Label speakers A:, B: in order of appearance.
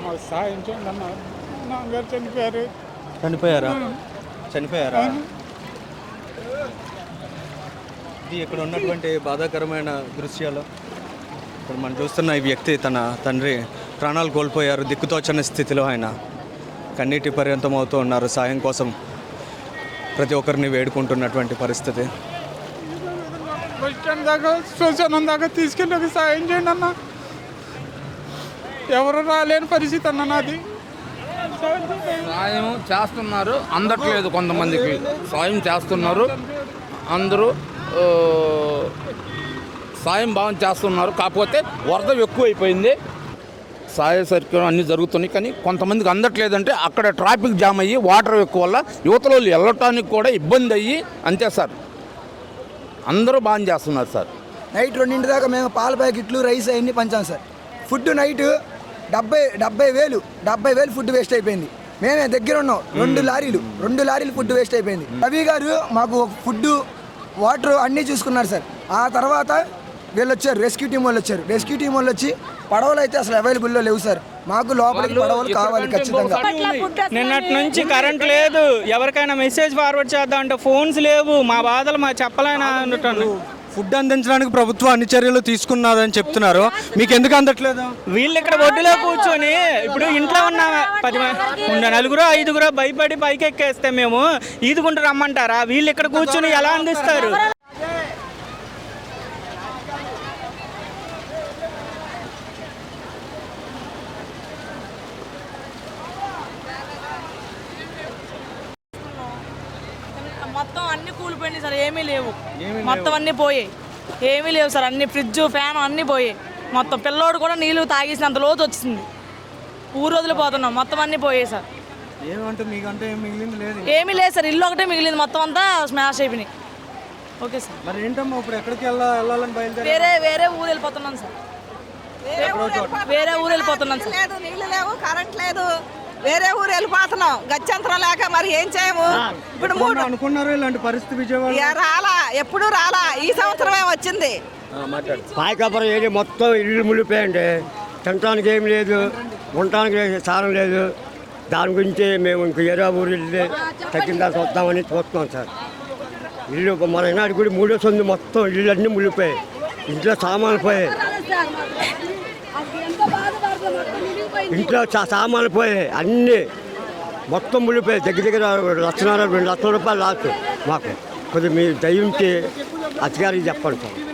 A: సాయం చేయండి అన్న. నాన్నగారు చనిపోయారు.
B: చనిపోయారా? చనిపోయారా? ఇది ఇక్కడ ఉన్నటువంటి బాధాకరమైన దృశ్యాలు. ఇప్పుడు మనం చూస్తున్న ఈ వ్యక్తి తన తండ్రి ప్రాణాలు కోల్పోయారు. దిక్కుతోచని స్థితిలో ఆయన కన్నీటి పర్యంతం అవుతూ ఉన్నారు. సాయం కోసం ప్రతి ఒక్కరిని వేడుకుంటున్నటువంటి పరిస్థితి.
A: బస్ స్టాండ్ దాకా శ్మశానం దాకా తీసుకెళ్ళి సాయం చేయండి అన్న. ఎవరు రాలేని పరిస్థితి అన్న నాది.
C: సాయం చేస్తున్నారు, అందట్లేదు. కొంతమందికి సాయం చేస్తున్నారు, అందరూ సాయం బాగా చేస్తున్నారు. కాకపోతే వరద ఎక్కువైపోయింది. సాయ సర్క్యూట్ అన్నీ జరుగుతున్నాయి, కానీ కొంతమందికి అందట్లేదంటే అక్కడ ట్రాఫిక్ జామ్ అయ్యి వాటర్ ఎక్కువ వల్ల యువతలో వెళ్ళటానికి కూడా ఇబ్బంది అయ్యి అంతే సార్. అందరూ బాగా చేస్తున్నారు సార్.
D: నైట్ 2 దాకా మేము పాల ప్యాకెట్లు రైస్ అవన్నీ పంచాం sir. Food night 70,000 food waste అయిపోయింది. మేమే దగ్గర ఉన్నాం. 2 లారీలు ఫుడ్ వేస్ట్ అయిపోయింది. రవి గారు మాకు ఫుడ్ వాటర్ అన్నీ చూసుకున్నారు సార్. ఆ తర్వాత వీళ్ళు వచ్చారు, రెస్క్యూ టీం వాళ్ళు వచ్చి పడవలు అయితే అసలు అవైలబుల్లో లేవు సార్. మాకు లోపలికి పడవలు కావాలి ఖచ్చితంగా.
E: నిన్నటి నుంచి కరెంట్ లేదు. ఎవరికైనా మెసేజ్ ఫార్వర్డ్ చేద్దాం అంటే ఫోన్స్ లేవు. మా బాధలు మా చెప్పలేనా అంటాను.
B: ఫుడ్ అందించడానికి ప్రభుత్వం అన్ని చర్యలు తీసుకున్నదని చెప్తున్నారు. మీకు ఎందుకు అందట్లేదు?
E: వీళ్ళు ఇక్కడ ఒడ్డులో కూర్చొని ఇప్పుడు ఇంట్లో ఉన్న 10 నలుగురు 5 భయపడి పైకి ఎక్కేస్తే మేము ఈదుకుంటూ రమ్మంటారా? వీళ్ళు ఇక్కడ కూర్చొని ఎలా అందిస్తారు?
F: మొత్తం అన్ని కూలిపోయినాయి సార్. ఏమీ లేవు, మొత్తం అన్ని పోయాయి. ఏమీ లేవు సార్. అన్ని ఫ్రిడ్జ్ ఫ్యాన్ అన్నీ పోయాయి. మొత్తం పిల్లోడు కూడా నీళ్ళు తాగేసినంత లోతు వచ్చింది. ఊరు వదిలిపోతున్నాం. మొత్తం అన్నీ పోయాయి సార్. ఏమీ లేదు సార్. ఇల్లు ఒకటే మిగిలింది. మొత్తం అంతా స్మాష్ అయిపోయినాయి. Okay sir.
B: మరి ఏంటమ్మా ఇప్పుడు ఎక్కడికి వెళ్ళాలని బయలుదేరి?
F: వేరే ఊరు వెళ్ళిపోతున్నాం సార్. వేరే ఊరు వెళ్ళిపోతున్నాం సార్.
G: లేదు, నీళ్ళు లేవు, కరెంట్ లేదు. వేరే ఊరు వెళ్ళిపోతున్నాం. గత్యంతరం లేక మరి ఏం చేయము. ఇప్పుడు 3
B: అనుకున్నారు ఇలాంటి పరిస్థితి విజయవాడ
G: రాలా, ఎప్పుడు రాలా. ఈ సంవత్సరమే వచ్చింది.
H: పాయకాపురం ఏరియా మొత్తం ఇల్లు మునిగిపోయండి. తినడానికి ఏం లేదు, ఉండటానికి స్థానం లేదు. దాని గురించి మేము ఇంక ఏరియా ఊరు వెళ్ళి తగ్గిందా చూద్దామని చూస్తున్నాం సార్. ఇల్లు మన ఈనాడు కూడా 3 సంది మొత్తం ఇల్లు అన్నీ మునిగిపోయాయి. ఇంట్లో సామాన్లు పోయాయి, ఇంట్లో సామాన్లు పోయాయి, అన్నీ మొత్తం మునిగిపోయాయి. దగ్గర 1,50,000 2 లక్షల రూపాయలు లాస్ట్ మాకు. కొద్దిగా మీరు దయించి అధికారికి చెప్పండి సార్.